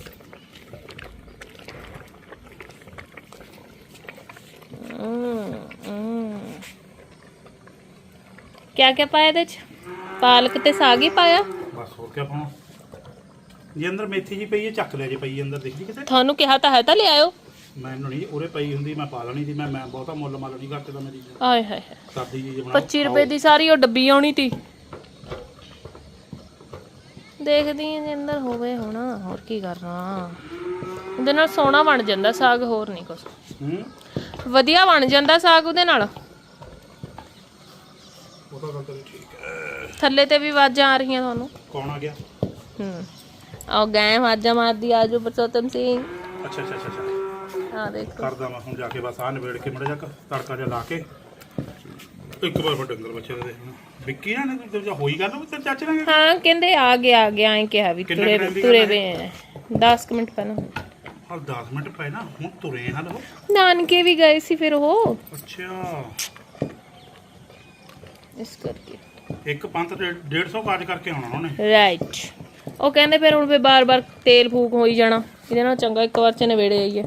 S4: क्या क्या पाया ਇਹਦੇ ਚ? ਪਾਲਕ ਤੇ ਸਾਗ ਹੀ ਪਾਇਆ।
S1: बस और क्या पाना जी? अंदर मेथी जी पई है, चक ले जी पई अंदर, देख ली किते।
S4: ਤੁਹਾਨੂੰ ਕਿਹਾ ਤਾਂ ਹੈ ਤਾਂ ਲੈ ਆਇਓ।
S1: ਮੈਨੂੰ ਨਹੀਂ ਉਰੇ ਪਈ ਹੁੰਦੀ ਮੈਂ ਪਾ ਲੈਣੀ ਸੀ। ਮੈਂ ਬਹੁਤਾ ਮੁੱਲ ਮਾਲ ਨਹੀਂ ਕਰਦਾ ਮੇਰੀ।
S4: ਆਏ ਹਾਏ ਹਾਏ,
S1: ਸਾਦੀ ਜੀ ਬਣਾਓ।
S4: 25 ਰੁਪਏ ਦੀ ਸਾਰੀ ਉਹ ਡੱਬੀ ਆਉਣੀ ਤੀ। ਦੇਖਦੀ ਹਾਂ ਜੇ ਅੰਦਰ ਹੋਵੇ ਹੁਣ, ਹੋਰ ਕੀ ਕਰਨਾ। ਉਹਦੇ ਨਾਲ ਸੋਹਣਾ ਬਣ ਜਾਂਦਾ ਸਾਗ, ਹੋਰ ਨਹੀਂ ਕੁਛ। ਵਧੀਆ ਬਣ ਜਾਂਦਾ ਸਾਗ ਉਹਦੇ ਨਾਲ।
S1: ਉਹ ਤਾਂ ਗੱਲ ਤੇਰੀ ਠੀਕ ਹੈ।
S4: ਥੱਲੇ ਤੇ ਵੀ ਆਵਾਜ਼ਾਂ ਆ ਰਹੀਆਂ ਤੁਹਾਨੂੰ।
S1: ਕੌਣ ਆ ਗਿਆ?
S4: ਆਓ ਗਏ ਆਵਾਜ਼ਾਂ ਮਾਰਦੀ, ਆਜੋ ਬਰਸੋਤਮ ਸਿੰਘ।
S1: ਅੱਛਾ ਅੱਛਾ ਅੱਛਾ ਅੱਛਾ,
S4: ਆ ਦੇਖੋ
S1: ਕਰਦਾ ਮੈਂ ਹੁਣ ਜਾ ਕੇ। ਬਸ ਆਹ ਨਿਬੇੜ ਕੇ ਮੜਾ ਜਾ ਤੜਕਾ ਜਿਹਾ ਲਾ ਕੇ ਇੱਕ ਵਾਰ ਫਿਰ ਡੰਗਰ ਬੱਚੇ ਦੇ ਦੇਖਣਾ। ਵਿੱਕੀ ਨਾ ਤੇ ਹੋਈ ਗੱਲ ਉਹ ਤੇਰੇ ਚਾਚੇ ਨਾਲ?
S4: ਹਾਂ ਕਹਿੰਦੇ ਆ ਗਿਆ ਐਂ ਕਿਹਾ ਵੀ
S1: ਕਿੰਨੇ
S4: ਤੁਰੇ
S1: time ਦੀ
S4: ਤੁਰੇ
S1: ਗੱਲ
S4: ਵੇ
S1: ਹੈ?
S4: 10 ਮਿੰਟ ਪਹਿਲਾਂ।
S1: ਹਾਂ 10 ਮਿੰਟ ਪਏ ਨਾ, ਹੁਣ ਤੁਰੇ ਹਨ ਉਹ।
S4: ਨਾਨਕੇ ਵੀ ਗਏ ਸੀ ਫਿਰ ਉਹ,
S1: ਅੱਛਾ,
S4: ਇਸ ਕਰਕੇ।
S1: ਇੱਕ ਪੰਥ 150 ਕਾਜ ਕਰਕੇ ਆਉਣਾ ਉਹਨੇ।
S4: ਰਾਈਟ। ਉਹ ਕਹਿੰਦੇ ਫਿਰ ਹੁਣ ਬਾਰ-ਬਾਰ ਤੇਲ ਫੂਕ ਹੋਈ ਜਾਣਾ, ਇਹਦੇ ਨਾਲ ਚੰਗਾ ਇੱਕ ਵਾਰ ਚ ਨਵੇੜੇ ਆਈਏ।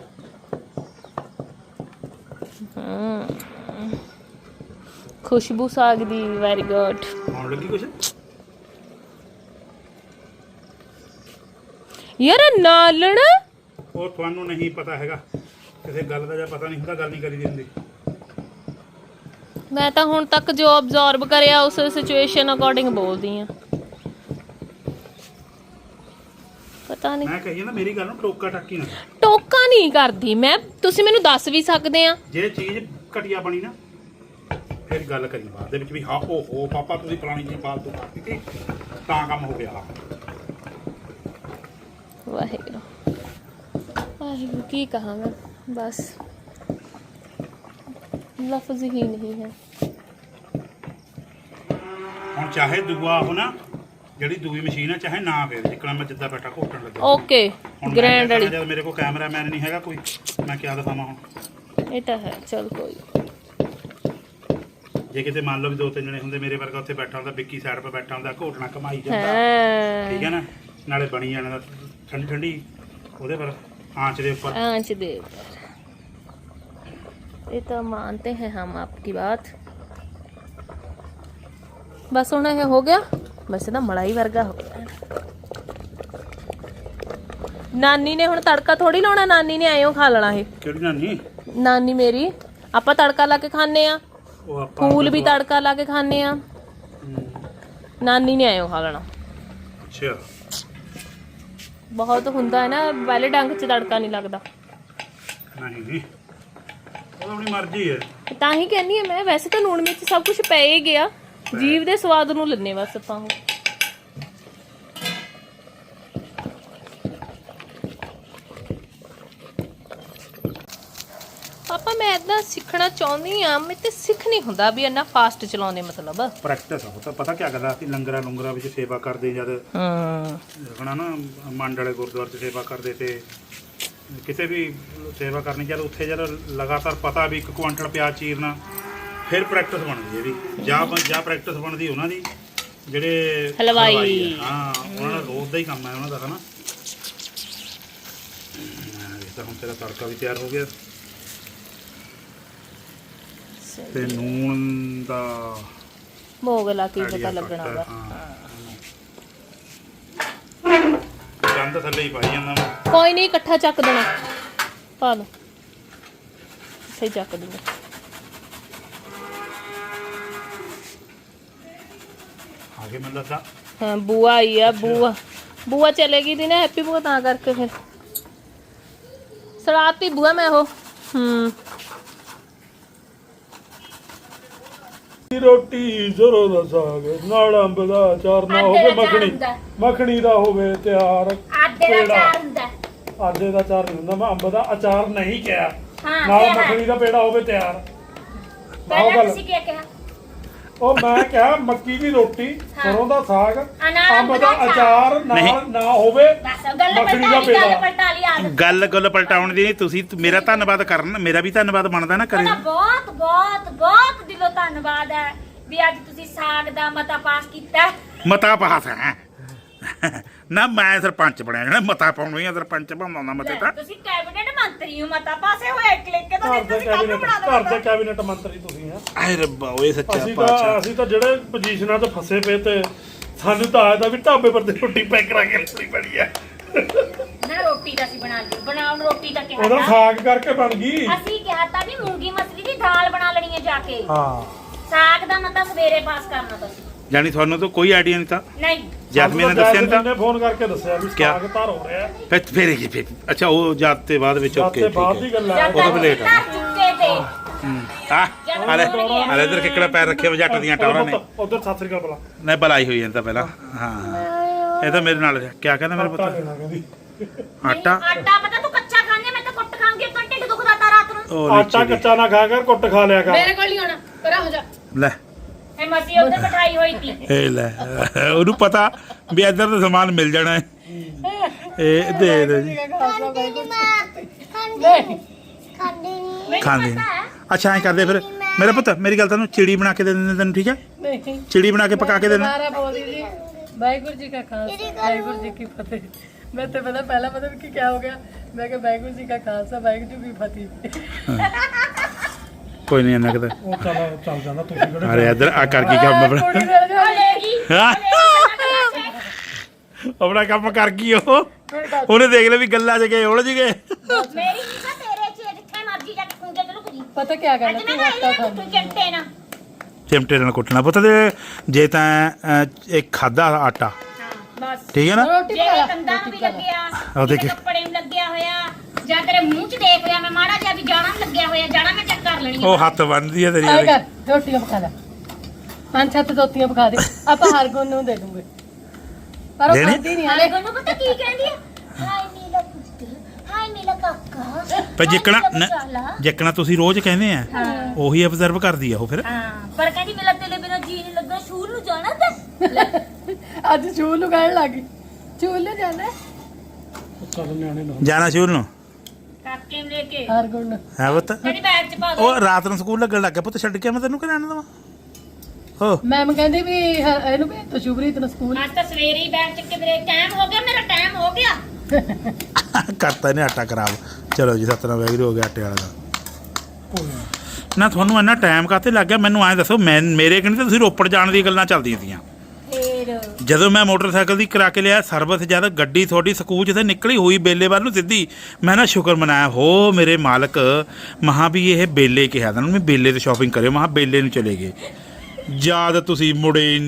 S4: ਖੁਸ਼ਬੂ ਸਾਗ ਦੀ, ਵੈਰੀ ਗੁੱਡ।
S1: ਆਉਣ ਲੱਗੀ ਕੁਛ?
S4: ਯਾਰ ਨਾਲਣ
S1: ਉਹ ਤੁਹਾਨੂੰ ਨਹੀਂ ਪਤਾ ਹੈਗਾ, ਕਿਸੇ ਗੱਲ ਦਾ ਜਾਂ ਪਤਾ ਨਹੀਂ ਹੁੰਦਾ ਗੱਲ ਨਹੀਂ ਕਰੀ ਦੀ ਹੁੰਦੀ।
S4: ਮੈਂ ਤਾਂ ਹੁਣ ਤੱਕ ਜੋ ਅਬਜ਼ਰਵ ਕਰਿਆ ਉਸ ਸਿਚੁਏਸ਼ਨ ਅਕੋਰਡਿੰਗ ਬੋਲਦੀ ਆ। ਪਤਾ ਨਹੀਂ
S1: ਮੈਂ ਕਹੀ ਨਾ ਮੇਰੀ ਗੱਲ ਨੂੰ ਟੋਕਾ ਟਾਕੀ ਨਾ।
S4: ਟੋਕਾ ਨਹੀਂ ਕਰਦੀ ਮੈਂ, ਤੁਸੀਂ ਮੈਨੂੰ ਦੱਸ ਵੀ ਸਕਦੇ ਆ।
S1: ਜੇ ਚੀਜ਼ ਘਟੀਆ ਬਣੀ ਨਾ ਫਿਰ ਗੱਲ ਕਰੀ ਬਾਅਦ ਦੇ ਵਿੱਚ ਵੀ ਹਾਂ ਓਹੋ ਪਾਪਾ ਤੁਸੀਂ ਪੁਰਾਣੀ ਚੀਜ਼ ਫਾਲਤੂ ਕਰਤੀ ਸੀ ਤਾਂ ਕੰਮ ਹੋ ਗਿਆ।
S4: ਵਾਹਿਗੁਰੂ ਵਾਹਿਗੁਰੂ ਕੀ ਕਹਾਂ ਮੈਂ, ਬਸ ਲਫ਼ਜ਼ ਹੀ ਨਹੀਂ ਹੈ।
S1: ਹੁਣ ਚਾਹੇ ਦੂਆ ਹੋ ਨਾ ਜਿਹੜੀ ਦੂਈ ਮਸ਼ੀਨ ਆ ਚਾਹੇ ਨਾ ਪਵੇ ਜਿੱਕਣਾ ਮੈਂ ਜਿੱਦਾਂ ਬੈਠਾ ਘੋਟਣ ਲੱਗਾ।
S4: ਓਕੇ ਗ੍ਰੈਂਡ ਵਾਲੀ
S1: ਜਦ ਮੇਰੇ ਕੋਲ ਕੈਮਰਾਮੈਨ ਨਹੀਂ ਹੈਗਾ ਕੋਈ ਮੈਂ ਕਿਆ ਦਿਖਾਵਾਂ ਹੁਣ।
S4: ਇਹ ਤਾਂ ਹੈ, ਚਲ ਕੋਈ
S1: ਜੇ ਕਿਤੇ ਮੰਨ ਲਓ ਵੀ 2-3 ਜਣੇ ਹੁੰਦੇ ਮੇਰੇ ਵਰਗਾ ਉੱਥੇ ਬੈਠਾ ਹੁੰਦਾ ਵਿੱਕੀ ਸਾਈਡ 'ਤੇ ਬੈਠਾ ਹੁੰਦਾ ਘੋਟਣਾ ਕਮਾਈ ਜਾਂਦਾ ਠੀਕ ਹੈ ਨਾ ਨਾਲੇ ਬਣੀ ਜਾਣਾ ਦਾ ਠੰਡੀ ਠੰਡੀ ਉਹਦੇ ਪਰ ਆਂਚ ਦੇ ਉੱਪਰ
S4: आंच दे ये तो मानते हैं हम आपकी बात। बस होना है हो गया, वैसे तो मलाई वर्गा हो गया। नानी ने हुण तड़का थोड़ी लाउणा, नानी ने आयो खा लेना है।
S1: ਕਿਹੜੀ ਨਾਨੀ
S4: नानी मेरी ਆਪਾਂ ਤੜਕਾ ਲਾ ਕੇ ਖਾਣੇ ਆ,
S1: ਉਹ ਆਪਾਂ
S4: ਫੂਲ ਵੀ ਤੜਕਾ ਲਾ ਕੇ ਖਾਣੇ ਆ, ਨਾਨੀ ਨੇ ਆਇਓ ਖਾ ਲੈਣਾ।
S1: ਅੱਛਾ
S4: ਬਹੁਤ ਹੁੰਦਾ ਹੈ ਨਾ ਪਹਿਲੇ ਡੰਗ 'ਚ ਤੜਕਾ ਨਹੀਂ ਲੱਗਦਾ,
S1: ਨਹੀਂ ਉਹ ਆਪਣੀ ਮਰਜ਼ੀ ਹੈ।
S4: ਤਾਂ ਹੀ ਕਹਿੰਦੀ ਆ ਮੈਂ, ਵੈਸੇ ਤਾਂ ਲੂਣ ਮਿਰਚ ਸਭ ਕੁਝ ਪੈ ਹੀ ਗਿਆ, ਜੀਭ ਦੇ ਸਵਾਦ ਨੂੰ ਲੰਨੇ ਬਸ ਆਪਾਂ ਉਹ। ਪਾਪਾ ਮੈਂ ਇਦਾਂ ਸਿੱਖਣਾ ਚਾਹੁੰਦੀ ਆ, ਮੈਂ ਤੇ ਸਿੱਖ ਨਹੀਂ ਹੁੰਦਾ ਵੀ ਇੰਨਾ ਫਾਸਟ ਚਲਾਉਂਦੇ ਮਤਲਬ
S1: ਪ੍ਰੈਕਟਿਸ ਹੋ ਤਾਂ ਪਤਾ ਕੀ ਕਰਦਾ ਅਸੀਂ ਲੰਗਰਾਂ ਲੰਗਰਾਂ ਵਿੱਚ ਸੇਵਾ ਕਰਦੇ ਜਦ ਰਖਣਾ ਨਾ ਮੰਡ ਵਾਲੇ ਗੁਰਦੁਆਰੇ 'ਚ ਸੇਵਾ ਕਰਦੇ ਤੇ ਕਿਤੇ ਵੀ ਸੇਵਾ ਕਰਨੀ ਜਦ ਉੱਥੇ ਜਦ ਲਗਾਤਾਰ ਪਤਾ ਵੀ 1 ਕੁਆਂਟਲ ਪਿਆਜ਼ ਚੀਰਨਾ ਫਿਰ ਪ੍ਰੈਕਟਿਸ ਬਣਦੀ ਇਹਦੀ ਜਾਂ ਪ੍ਰੈਕਟਿਸ ਬਣਦੀ ਉਹਨਾਂ ਦੀ ਜਿਹੜੇ
S4: ਹਲਵਾਈ
S1: ਆ। ਹਾਂ ਉਹਨਾਂ ਦਾ ਰੋਜ਼ ਦਾ ਹੀ ਕੰਮ ਹੈ ਉਹਨਾਂ ਦਾ ਹਨਾ। ਤਾਂ ਹੁਣ ਤੇਰਾ ਤੜਕਾ ਵੀ ਤਿਆਰ ਹੋ ਗਿਆ ਤੇ ਨੂਣ ਦਾ
S4: ਭੋਗ ਲਾ ਕੇ ਪਤਾ ਲੱਗਣਾ ਉਹਦਾ।
S1: ਗੰਦ ਥੱਲੇ ਹੀ ਪਾਈ ਜਾਂਦਾ ਮੈਂ।
S4: ਕੋਈ ਨਹੀਂ ਇਕੱਠਾ ਚੱਕ ਦੇਣਾ, ਪਾ ਲਓ ਸਹੀ ਚੱਕ ਦੂੰਗਾ।
S1: ਆਗੇ ਮੈਨੂੰ ਲੱਗਦਾ
S4: ਹਾਂ ਬੂਆ ਆਈ ਆ, ਬੂਆ ਚਲੇਗੀ ਦੀ ਨਾ ਹੈਪੀ ਬੂਆ, ਤਾਂ ਕਰਕੇ ਫਿਰ ਸੜਾਤੀ ਬੂਆ ਮੈਂ ਉਹ
S1: ਰੋਟੀ ਜ਼ਰੂਰ ਦਾ ਸਾਗ ਨਾਲ ਅੰਬ ਦਾ ਅਚਾਰ ਨਾ ਹੋਵੇ, ਮੱਖਣੀ ਦਾ ਹੋਵੇ ਤਿਆਰ।
S2: ਆਡੇ ਦਾ ਚਾਰ ਹੁੰਦਾ,
S1: ਆਡੇ ਦਾ ਅਚਾਰ ਨਹੀਂ ਹੁੰਦਾ, ਮੈਂ ਅੰਬ ਦਾ ਅਚਾਰ ਨਹੀਂ ਕਿਹਾ।
S2: ਹਾਂ
S1: ਨਾਲ ਮੱਖਣੀ ਦਾ ਪੇੜਾ ਹੋਵੇ ਤਿਆਰ।
S2: ਪਹਿਲਾਂ ਤੁਸੀਂ ਕੀ ਕਿਹਾ?
S1: ਉਹ ਮੈਂ ਕਿਹਾ ਮੱਕੀ ਦੀ ਰੋਟੀ, ਸਰੋਂ ਦਾ ਸਾਗ,
S2: ਅਨਾਰ
S1: ਅੰਬ ਦਾ ਅਚਾਰ ਨਾਲ ਨਾ ਹੋਵੇ,
S2: ਬਸ ਗੱਲ
S1: ਮੱਖਣੀ ਦਾ ਪੇੜਾ।
S2: ਪਲਟਾ ਲਈ ਆ
S1: ਗੱਲ ਪਲਟਾਉਣ ਦੀ ਤੁਸੀਂ ਮੇਰਾ ਧੰਨਵਾਦ ਕਰਨਾ, ਮੇਰਾ ਵੀ ਧੰਨਵਾਦ ਬਣਦਾ ਨਾ ਕਰੇ।
S2: ਬਹੁਤ ਬਹੁਤ ਬਹੁਤ ਦਿਲੋਂ ਧੰਨਵਾਦ ਹੈ ਵੀ ਅੱਜ ਤੁਸੀਂ ਸਾਗ ਦਾ ਮਤਾ ਪਾਸ ਕੀਤਾ।
S1: ਮਤਾ ਪਾਸ ਹੈ ਨਾ, ਮੈਂ ਸਰਪੰਚ ਬਣਿਆ ਜਿਹੜਾ ਮਤਾ ਪਾਉਣਾ ਹੀ ਸਰਪੰਚ ਬਣਾਉਂਦਾ ਮਤੇ ਤਾਂ।
S2: ਤੁਸੀਂ ਕੈਬਨਿਟ ਮੰਤਰੀ ਹੋ, ਮਤਾ ਪਾਸੇ ਹੋਇਆ ਕਲਿੱਕ ਕੇ ਤਾਂ ਤੁਸੀਂ ਕੱਲ ਨੂੰ ਬਣਾ
S1: ਘਰ ਦੇ ਕੈਬਨਿਟ ਮੰਤਰੀ ਤੁਸੀਂ ਆ। ਆਏ ਰੱਬਾ ਓਏ ਸੱਚਾ
S5: ਅਸੀਂ ਤਾਂ ਜਿਹੜੇ ਪੋਜੀਸ਼ਨਾਂ 'ਚ ਫਸੇ ਪਏ ਤੇ ਸਾਨੂੰ ਤਾਂ ਆਇਆ ਤਾਂ ਵੀ ਢਾਬੇ ਪਰ ਤੇ ਰੋਟੀ ਪੈਕ ਕਰਾ ਕੇ ਰੱਖਣੀ ਪੈਣੀ ਆ।
S2: ਨਾ ਰੋਟੀ ਤਾਂ ਅਸੀਂ ਬਣਾ ਲਈ, ਬਣਾਉਣ ਰੋਟੀ ਤਾਂ ਕਿਹਾ
S5: ਉਹਦਾ
S2: ਤਾਂ।
S5: ਸਾਗ ਕਰਕੇ ਬਣ ਗਈ।
S2: ਅਸੀਂ ਕਿਹਾ ਤਾਂ ਵੀ ਮੂੰਗੀ ਮਸਰੀ ਦੀ ਦਾਲ ਬਣਾ ਲੈਣੀ ਹੈ ਜਾ ਕੇ।
S5: ਹਾਂ
S2: ਸਾਗ ਦਾ ਮਤਾ ਸਵੇਰੇ ਪਾਸ ਕਰਨਾ ਤੁਸੀਂ।
S1: ਜਾਨੀ ਤੁਹਾਨੂੰ ਤਾਂ ਕੋਈ ਆਈਡੀਆ ਨਹੀਂ ਤਾਂ
S2: ਨਹੀਂ
S1: ਜੈਸਮੀਨ ਨੇ ਦੱਸਿਆ ਨਹੀਂ ਤਾਂ
S5: ਨੇ ਫੋਨ ਕਰਕੇ ਦੱਸਿਆ ਵੀ
S1: ਕਿਆ?
S5: ਸਾਗ ਧਰ ਹੋ ਰਿਹਾ।
S1: ਫਿਰ ਕੀ ਫਿਰ ਅੱਛਾ ਉਹ ਜਾਤ ਤੇ ਬਾਅਦ ਵਿੱਚ ਓਕੇ
S5: ਤੇ
S1: ਠੀਕ
S5: ਬਾਅਦ
S1: ਹੈ।
S5: ਦੀ ਗੱਲ ਆ।
S2: ਜਦ
S1: ਉਦੋਂ
S2: ਤੱਕ
S1: ਵੀ late ਆ।
S2: ਧਰ ਚੁੱਕੇ ਤੇ
S1: ਹਲੇ ਇਧਰ ਕਿੱਕੜਾ ਪੈਰ ਰੱਖਿਆ ਵਾ ਜੱਟ ਦੀਆਂ ਟੌਰਾਂ ਨੇ।
S5: ਉਧਰ ਸਤਿ ਸ੍ਰੀ ਅਕਾਲ ਬੁਲਾ।
S1: ਨਹੀਂ ਬਲਾਈ ਹੋਈ ਜਾਂਦਾ ਪਹਿਲਾਂ। ਹਾਂ ਇਹ ਤਾਂ ਮੇਰੇ ਨਾਲ ਕਿਆ ਕਹਿੰਦਾ ਮੇਰੇ
S5: ਆਟਾ
S1: ਪੁੱਤ
S5: ਦੇਣਾ ਕਹਿੰਦੀ।
S1: ਆਟਾ
S2: ਆਟਾ ਪਤਾ ਤੂੰ ਕੱਚਾ ਖਾਂਗੇ, ਮੈਂ ਤਾਂ ਕੁੱਟ ਖਾਂਗੀ, ਆਪਣਾ ਢਿੱਡ ਦੁਖਦਾ ਤਾਂ ਰਾਤ ਨੂੰ।
S1: ਉਹ
S5: ਆਟਾ
S1: ਨੀਚੇ
S5: ਕੱਚਾ ਨਾ ਖਾ ਕਰ, ਕੁੱਟ ਖਾ ਲਿਆ ਕਰ।
S2: ਮੇਰੇ ਕੋਲ ਨਹੀਂ ਹੋਣਾ, ਪਰਾਂ ਹੋ ਜਾ।
S1: ਲੈ
S2: ਇਹ ਮਸੀ ਉੱਤੇ ਬਿਠਾਈ ਹੋਈ ਸੀ।
S1: ਇਹ ਲੈ ਉਹਨੂੰ ਪਤਾ ਵੀ ਇੱਧਰ ਤਾਂ ਸਮਾਨ ਮਿਲ ਜਾਣਾ ਹੈ। ਇਹ ਦੇ ਦੋ ਜੀ ਖਾਂਦੇ ਨੇ। ਅੱਛਾ ਐਂ ਕਰਦੇ ਫਿਰ ਮੇਰਾ ਪੁੱਤ, ਮੇਰੀ ਗੱਲ ਤੁਹਾਨੂੰ ਚਿੜੀ ਬਣਾ ਕੇ ਦੇ ਦਿੰਦੇ ਤੈਨੂੰ, ਠੀਕ ਹੈ? ਚਿੜੀ ਬਣਾ ਕੇ ਪਕਾ ਕੇ ਦੇਣਾ।
S6: ਵਾਹਿਗੁਰੂ ਜੀ ਕਾ ਖਾਲਸਾ ਵਾਹਿਗੁਰੂ ਜੀ ਕੀ ਫਤਿਹ। ਮੈਂ ਤੇ ਪਹਿਲਾਂ ਪਤਾ ਵੀ ਕੀ ਹੋ ਗਿਆ, ਮੈਂ ਕਿਹਾ ਵਾਹਿਗੁਰੂ ਜੀ ਕਾ ਖਾਲਸਾ ਵਾਹਿਗੁਰੂ ਜੀ ਕੀ ਫਤਿਹ।
S1: ਕੋਈ ਨਹੀਂ ਇਹਨਾਂ ਕਦੇ
S5: ਉਹ ਚੱਲ ਜਾਂਦਾ ਤੁਸੀਂ ਕਿਹੜੇ।
S1: ਅਰੇ ਇੱਧਰ ਆ ਕਰ ਕੀ ਕੰਮ ਆਪਣਾ
S2: ਉਹ ਲੈ ਗਈ
S1: ਆਪਣਾ ਕੰਮ ਕਰ ਗਈ ਉਹ। ਉਹਨੇ ਦੇਖ ਲਿਆ ਵੀ ਗੱਲਾਂ 'ਚ ਗਏ ਉਲਝ ਗਏ।
S2: ਮੇਰੀ ਨਹੀਂ ਤਾਂ ਤੇਰੇ ਚ ਜਿੱਥੇ ਮਰਜੀ ਜਾ ਕੇ ਖੁੰਝੇ ਚ ਲੁਕ ਜੀ।
S6: ਪਤਾ ਕੀ ਕਰਨਾ
S2: ਅੱਜ ਮੈਂ
S6: ਤੂੰ ਆਟਾ
S2: ਖਾਈ
S6: ਖਾ
S2: ਤੂੰ ਚਿੰਟੇ ਨਾ।
S1: ਚਿਮਟੇ ਨਾਲ ਕੁੱਟਣਾ ਪੁੱਤ ਤੇ ਜੇ ਤਾਂ ਇੱਕ ਖਾਦਾ ਆਟਾ
S2: ਹਾਂ ਬਸ
S1: ਠੀਕ ਹੈ ਨਾ।
S6: ਰੋਟੀ
S2: ਜੇ
S6: ਖਾ ਲਾ
S2: ਕੰਦਾਂ ਨੂੰ ਵੀ ਲੱਗਿਆ
S1: ਆਹ ਦੇਖ।
S2: ਕਿਤੇ ਕੱਪੜੇ ਨੂੰ ਲੱਗਿਆ ਹੋਇਆ ਜਾਂ ਤੇਰੇ ਮੂੰਹ 'ਚ ਦੇਖ ਲਿਆ ਮੈਂ ਮਾੜਾ ਜਿਹਾ ਵੀ ਜਾਣਾ ਨੂੰ ਲੱਗਿਆ ਹੋਇਆ ਜਾਣਾ ਮੈਂ ਚੈੱਕ ਕਰ ਲੈਣੀ
S1: ਉਹ ਹੱਥ ਬੰਨ੍ਹਦੀ ਹੈ ਤੇਰੀ
S6: ਆਏ
S1: ਉਹਦੀ।
S6: ਕਰ ਰੋਟੀਆਂ ਪਕਾ ਲੈ 5-7 ਰੋਟੀਆਂ ਪਕਾ ਦੇ ਆਪਾਂ ਹਰ ਗੁਣ ਨੂੰ ਦੇ ਦੂੰਗੇ ਪਰ ਉਹ
S1: ਦੇਣੀ?
S6: ਖਾਂਦੀ ਨਹੀਂ
S2: ਹਾਲੇ
S6: ਹਲੇ
S2: ਕੋਨੂੰ ਪਤਾ ਕੀ ਕਹਿੰਦੀ ਆ ਹਾਏ ਨੀਲਾ ਪੁੱਤ ਹਾਏ ਨੀਲਾ ਕਾਕਾ
S1: ਪਰ ਜਿੱਕਣਾ
S2: ਹਾਏ ਨੀਲਾ ਬਚਾਲਾ।
S1: ਜਿੱਕਣਾ ਤੁਸੀਂ ਰੋਜ਼ ਕਹਿੰਦੇ ਆ
S2: ਹਾਂ
S1: ਉਹੀ ਅਬਜ਼ਰਵ ਕਰਦੀ ਆ ਉਹ ਫਿਰ।
S2: ਹਾਂ ਪਰ ਕਹਿੰਦੀ ਮੇਰਾ ਤੇਰੇ ਬਿਨਾਂ ਜੀ ਨਹੀਂ ਲੱਗਾ ਸ਼ੂਰ ਨੂੰ ਜਾਣਾ ਤੇ
S6: ਅੱਜ ਚੂਲ ਨੂੰ ਕਹਿਣ ਲੱਗੀ ਚੂਲ ਨੂੰ ਜਾਣਾ
S5: ਚੱਲ ਨਿਆਣੇ ਨੂੰ
S1: ਜਾਣਾ ਸ਼ੁਰੂ ਨੂੰ
S2: ਕਾਕੇ ਨੂੰ ਲੈ ਕੇ
S6: ਹਰ ਗੁਣ ਨੂੰ
S1: ਹੈ ਪੁੱਤ।
S2: ਕਹਿੰਦੀ ਬੈਗ 'ਚ ਪਾ ਦੋ
S1: ਉਹ ਰਾਤ ਨੂੰ ਸਕੂਲ ਲੱਗਣ ਲੱਗ ਗਿਆ ਪੁੱਤ ਛੱਡ ਕੇ ਮੈਂ ਤੈਨੂੰ ਕਿਹਨਾਂ ਦਵਾਂ ਹੋ
S6: ਮੈਮ ਕਹਿੰਦੀ ਵੀ ਇਹਨੂੰ ਭੇਜ ਤੋ ਸ਼ੁਭਰੀਤ ਨੂੰ ਸਕੂਲ
S2: ਅੱਜ ਤਾਂ ਸਵੇਰੇ ਹੀ ਬੈਗ ਚੱਕ ਕੇ ਮੇਰੇ ਟਾਈਮ ਹੋ ਗਿਆ ਮੇਰਾ ਟਾਈਮ ਹੋ ਗਿਆ
S1: ਕਰਤਾ ਇਹਨੇ ਆਟਾ ਖਰਾਬ। ਚਲੋ ਜੀ ਸਤਨਾਮ ਵਾਹਿਗੁਰੂ ਹੋ ਗਿਆ ਆਟੇ ਵਾਲਾ ਦਾ। ਨਾ ਤੁਹਾਨੂੰ ਇੰਨਾ ਟਾਈਮ ਕਾਤੇ ਲੱਗ ਗਿਆ ਮੈਨੂੰ ਐਂ ਦੱਸੋ ਮੈਂ ਮੇਰੇ ਕਹਿੰਦੇ ਤੁਸੀਂ ਰੋਪੜ ਜਾਣ ਦੀਆਂ ਗੱਲਾਂ ਚੱਲਦੀਆਂ ਸੀਆਂ
S2: ਫੇਰ
S1: ਜਦੋਂ ਮੈਂ ਮੋਟਰਸਾਈਕਲ ਦੀ ਕਰਾ ਕੇ ਲਿਆ ਸਰਵਿਸ ਜਦ ਗੱਡੀ ਤੁਹਾਡੀ ਸਕੂਲ ਜਿੱਥੇ ਨਿਕਲੀ ਹੋਈ ਬੇਲੇ ਵੱਲ ਨੂੰ ਸਿੱਧੀ ਮੈਂ ਨਾ ਸ਼ੁਕਰ ਮਨਾਇਆ ਹੋ ਮੇਰੇ ਮਾਲਕ ਮਹਾ ਵੀ ਇਹ ਬੇਲੇ ਕਿਹਾ ਤਾਂ ਮੈਂ ਬੇਲੇ ਤੇ ਸ਼ਾਪਿੰਗ ਕਰਿਓ ਮਹਾ ਬੇਲੇ ਨੂੰ ਚਲੇ ਗਏ ਜਦ ਤੁਸੀਂ ਮੁੜੇ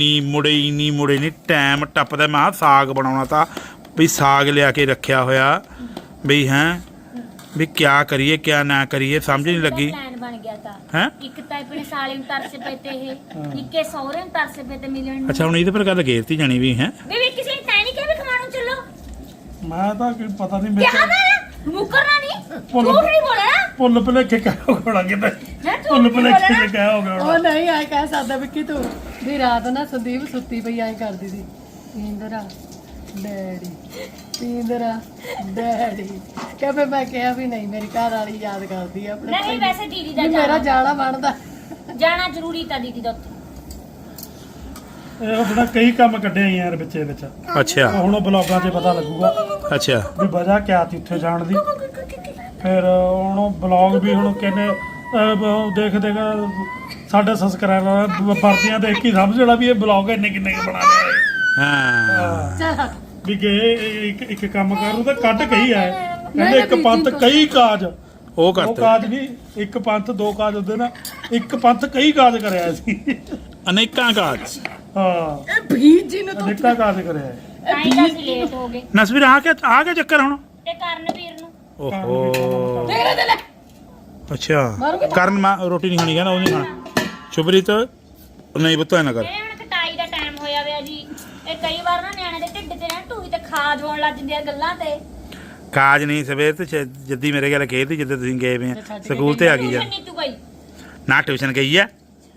S1: ਨਹੀਂ ਟਾਈਮ ਟੱਪਦਾ ਮੈਂ ਸਾਗ ਬਣਾਉਣਾ ਤਾਂ ਵੀ ਸਾਗ ਲਿਆ ਕੇ ਰੱਖਿਆ ਹੋਇਆ ਵੀ ਹੈਂ ਵੀ ਕਿਆ ਕਰੀਏ ਕਿਆ ਨਾ ਕਰੀਏ ਸਮਝ ਨਹੀਂ ਲੱਗੀ
S2: ਪਲਾਨ ਬਣ ਗਿਆ ਤਾਂ
S1: ਹੈਂ
S2: ਇੱਕ ਤਾਂ ਆਪਣੇ ਸਾਲੇ ਨੂੰ ਤਰਸ ਪਏ ਤੇ ਇਹ ਇੱਕੇ ਸਹੁਰੇ ਨੂੰ ਤਰਸ ਪਏ ਤੇ ਮਿਲਣ ਨੂੰ
S1: ਅੱਛਾ ਹੁਣ ਇਹਦੇ ਪਰ ਗੱਲ ਗੇਰਤੀ ਜਾਣੀ ਵੀ ਹੈ
S2: ਵੀ ਕਿਸੇ ਨੇ ਤੈਨੂੰ ਕਿਹਾ ਵੀ ਖਮਾਣੋਂ ਚੱਲੋ
S5: ਮੈਂ ਤਾਂ ਕੋਈ ਪਤਾ ਨਹੀਂ
S2: ਕਿਹਾ
S5: ਮੇਰੇ
S2: ਮੈਂ ਮੁਕਰਨਾ ਨਹੀਂ
S5: ਭੁੱਲ-
S2: ਝੂਠ ਨਹੀਂ ਬੋਲਣਾ
S5: ਪੁੱਲ ਭੁਲੇਖੇ ਕਹਿ ਹੋ ਗਿਆ ਕਿਤੇ
S2: ਮੈਂ ਝੂਠ
S5: ਪੁੱਲ
S2: ਨਹੀਂ
S5: ਭੁਲੇਖੇ
S2: ਬੋਲਣਾ
S5: ਚ ਕਹਿ ਹੋ ਗਿਆ
S6: ਉਹ ਨਹੀਂ ਆਏ ਕਹਿ ਸਕਦਾ ਵਿੱਕੀ ਤੂੰ ਵੀ ਰਾਤ ਨਾ ਸੰਦੀਪ ਸੁੱਤੀ ਪਈ ਐਂ ਕਰਦੀ ਸੀ ਇੰਦਰਾ ਡੈਡੀ ਇੰਦਰਾ ਡੈਡੀ ਕਹਿੰਦੇ ਮੈਂ ਕਿਹਾ ਵੀ ਨਹੀਂ ਮੇਰੀ ਘਰ ਵਾਲੀ ਯਾਦ ਕਰਦੀ ਆ ਆਪਣੇ
S2: ਨਹੀਂ ਵੈਸੇ ਦੀਦੀ ਦਾ
S6: ਵੀ ਮੇਰਾ
S2: ਜਾਣਾ
S6: ਜਾਣਾ ਬਣਦਾ
S2: ਜਾਣਾ ਜ਼ਰੂਰੀ ਤਾਂ ਦੀਦੀ ਦਾ ਉੱਥੇ
S5: ਇਹ ਆਪਣਾ ਕਈ ਕੰਮ ਕੱਢੇ ਆ ਯਾਰ ਵਿੱਚੇ ਵਿੱਚ
S1: ਅੱਛਾ
S5: ਹੁਣ ਉਹ ਬਲੌਗਾਂ 'ਚ ਪਤਾ ਲੱਗੂਗਾ
S1: ਅੱਛਾ
S5: ਵੀ ਵਜ੍ਹਾ ਕਿਆ ਸੀ ਉੱਥੇ ਜਾਣ ਦੀ ਫਿਰ ਹੁਣ ਉਹ ਬਲੌਗ ਵੀ ਹੁਣ ਕਹਿੰਦੇ ਦੇਖ ਸਾਡੇ ਸਬਸਕ੍ਰਾਈਬਰ ਵਰਦੀਆਂ ਦੇਖ ਕੇ ਸਮਝ ਲੈਣਾ ਵੀ ਇਹ ਬਲੌਗ ਇੰਨੇ ਕਿੰਨੇ ਕੁ ਬਣਾ ਲਿਆ ਇਹ।
S1: ਹਾਂ
S6: ਚੱਲ
S5: ਵੀ ਗਏ ਇੱਕ ਕੰਮ ਕਰੂ ਤਾਂ ਕੱਢ ਕਹੀ ਆਏ ਕਹਿੰਦੇ ਇੱਕ ਪੰਥ ਕਈ ਕਾਜ
S1: ਉਹ
S5: ਉਹ
S1: ਕਰਤੇ
S5: ਕਾਜ ਨਹੀਂ ਇੱਕ ਪੰਥ ਦੋ ਕਾਜ ਹੁੰਦੇ ਨਾ ਇੱਕ ਪੰਥ ਕਈ ਕਾਜ ਕਰਿਆ ਸੀ
S1: ਅਨੇਕਾਂ ਕਾਜ
S5: ਹਾਂ
S6: ਇਹ ਭੀੜ ਜੀ ਨੂੰ ਤੂੰ
S5: ਅਨੇਕਾਂ ਕਾਜ ਕਰਿਆ
S2: ਤਾਂ ਹੀ ਤਾਂ ਅਸੀਂ ਲੇਟ ਹੋ ਗਏ
S1: ਨਸਵੀਰ ਆ ਕੇ ਚੱਕਰ ਹੁਣ
S2: ਤੇ ਕਰਨਵੀਰ ਨੂੰ
S1: ਓਹੋ
S6: ਤੇਰੇ ਦੇ ਲੈ
S1: ਅੱਛਾ ਕਰਨ ਮੈਂ ਰੋਟੀ ਨਹੀਂ ਖਾਣੀ ਕਹਿੰਦਾ ਉਹ ਨਹੀਂ ਖਾਣਾ ਸ਼ੁਭਰੀਤ ਨਹੀਂ ਬਤਾ ਨਾ ਕਰ
S2: ਇਹ ਹੁਣ ਕਟਾਈ ਦਾ ਟਾਈਮ ਹੋਇਆ ਹੋਇਆ ਜੀ ਇਹ ਕਈ ਵਾਰ ਨਾ ਨਿਆਣੇ ਦੇ ਢਿੱਡ ਤੇ ਨਾ ਢੂਈ ਤੇ ਖਾਜ ਹੋਣ ਲੱਗ ਜਾਂਦੀਆਂ ਗੱਲਾਂ ਤੇ
S1: ਕਾਜ ਨਹੀਂ ਸਵੇਰ ਤੇ ਜੱਦੀ ਮੇਰੇ ਗੱਲ ਕਹੀ ਤੀ ਜਦੋਂ ਤੁਸੀਂ ਗਏ ਵੇ ਆ ਸਕੂਲ ਤੇ ਆ ਗਈ ਆ
S2: ਨੀਤੂ ਗਈ
S1: ਨਾ ਟਿਊਸ਼ਨ ਗਈ ਆ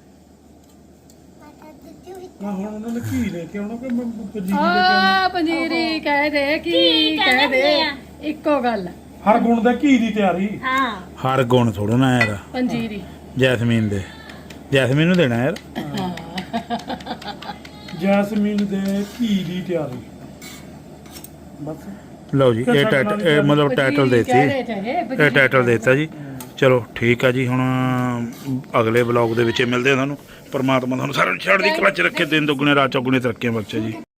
S5: ਹੁਣ ਉਹਨਾਂ ਨੇ ਕੀ ਲੈ ਕੇ ਆਉਣਾ ਕਿ ਮੈਂ ਪੰਜੀਰੀ ਲੈ ਕੇ
S6: ਆ ਪੰਜੀਰੀ ਕਹਿ ਦੇ ਕੀ
S2: ਕੀ
S6: ਕਹਿ
S2: ਕਹਿੰਦੇ
S6: ਦੇ
S2: ਆ?
S6: ਇੱਕੋ ਗੱਲ ਆ,
S5: ਹਰ ਗੁਣ ਦੇ ਘੀ ਦੀ ਤਿਆਰੀ
S2: ਹਾਂ
S1: ਹਰ ਗੁਣ ਥੋੜਾ ਨਾ ਯਾਰ
S6: ਪੰਜੀਰੀ
S1: ਜੈਸਮੀਨ ਨੂੰ ਦੇਣਾ ਯਾਰ
S5: ਜੈਸਮੀਨ ਦੇ ਘੀ ਦੀ ਤਿਆਰੀ ਬਸ
S1: ਲਓ ਜੀ ਇਹ ਟਾਈਟਲ ਇਹ ਮਤਲਬ ਟਾਈਟਲ ਦੇਤੀ
S6: ਕਹਿ ਰਹੇ ਚਾਹੇ
S1: ਇਹ ਟਾਈਟਲ ਦੇਤਾ ਜੀ ਚਲੋ ਠੀਕ ਆ ਜੀ ਹੁਣ ਅਗਲੇ ਵਲੌਗ ਦੇ ਵਿੱਚ ਮਿਲਦੇ ਆ ਤੁਹਾਨੂੰ ਪਰਮਾਤਮਾ ਤੁਹਾਨੂੰ ਸਾਰਿਆਂ ਨੂੰ ਛੱਡ ਦੀ ਕਲਾ ਚ ਰੱਖੇ ਦਿਨ ਦੁੱਗਣੇ ਰਾਤ ਚੌਗੁਣੇ ਤਰੱਕੀਆਂ ਬਖਸ਼ੇ ਜੀ